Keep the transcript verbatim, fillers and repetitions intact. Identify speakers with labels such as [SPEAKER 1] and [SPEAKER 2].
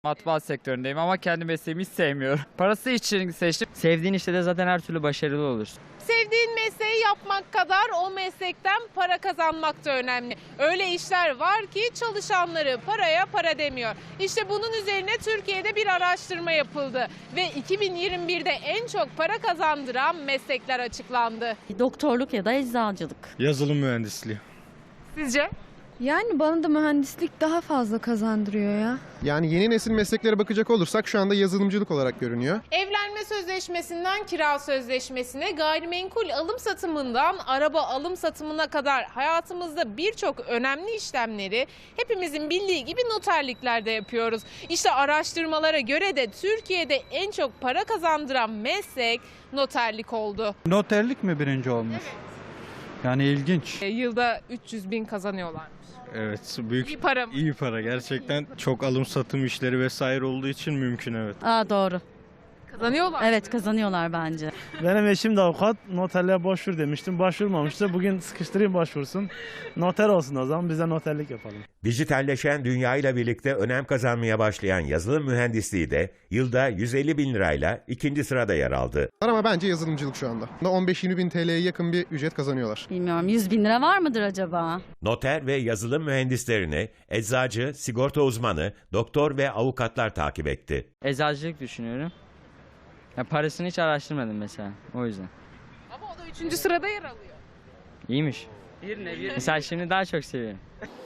[SPEAKER 1] Matbaa sektöründeyim ama kendi mesleğimi hiç sevmiyorum. Parası için seçtim.
[SPEAKER 2] Sevdiğin işte de zaten her türlü başarılı olursun.
[SPEAKER 3] Sevdiğin mesleği yapmak kadar o meslekten para kazanmak da önemli. Öyle işler var ki çalışanları paraya para demiyor. İşte bunun üzerine Türkiye'de bir araştırma yapıldı ve iki bin yirmi birde en çok para kazandıran meslekler açıklandı.
[SPEAKER 4] Doktorluk ya da eczacılık.
[SPEAKER 5] Yazılım mühendisliği.
[SPEAKER 3] Sizce?
[SPEAKER 6] Yani bana da mühendislik daha fazla kazandırıyor ya.
[SPEAKER 7] Yani yeni nesil mesleklere bakacak olursak şu anda yazılımcılık olarak görünüyor.
[SPEAKER 3] Evlenme sözleşmesinden kira sözleşmesine, gayrimenkul alım satımından araba alım satımına kadar hayatımızda birçok önemli işlemleri hepimizin bildiği gibi noterliklerde yapıyoruz. İşte araştırmalara göre de Türkiye'de en çok para kazandıran meslek noterlik oldu.
[SPEAKER 8] Noterlik mi birinci olmuş?
[SPEAKER 3] Evet.
[SPEAKER 8] Yani ilginç.
[SPEAKER 3] E, Yılda üç yüz bin kazanıyorlarmış.
[SPEAKER 5] Evet, büyük
[SPEAKER 3] İyi para mı?
[SPEAKER 5] iyi para gerçekten. Çok alım satım işleri vesaire olduğu için mümkün, evet.
[SPEAKER 4] Aa doğru.
[SPEAKER 3] Kazanıyorlar.
[SPEAKER 4] Evet kazanıyorlar bence.
[SPEAKER 9] Benim eşim de avukat. Noterliğe başvur demiştim. Başvurmamıştı. Bugün sıkıştırayım başvursun. Noter olsun o zaman. Biz de noterlik yapalım.
[SPEAKER 10] Dijitalleşen dünyayla birlikte önem kazanmaya başlayan yazılım mühendisliği de yılda yüz elli bin lirayla ikinci sırada yer aldı.
[SPEAKER 7] Ama bence yazılımcılık şu anda. on beş yirmi bin T L'ye yakın bir ücret kazanıyorlar.
[SPEAKER 4] Bilmiyorum yüz bin lira var mıdır acaba?
[SPEAKER 10] Noter ve yazılım mühendislerini eczacı, sigorta uzmanı, doktor ve avukatlar takip etti.
[SPEAKER 2] Eczacılık düşünüyorum. Ya parasını hiç araştırmadım mesela o yüzden.
[SPEAKER 3] Ama o da üçüncü sırada yer alıyor.
[SPEAKER 2] İyiymiş. Mesela şimdi daha çok seviyorum.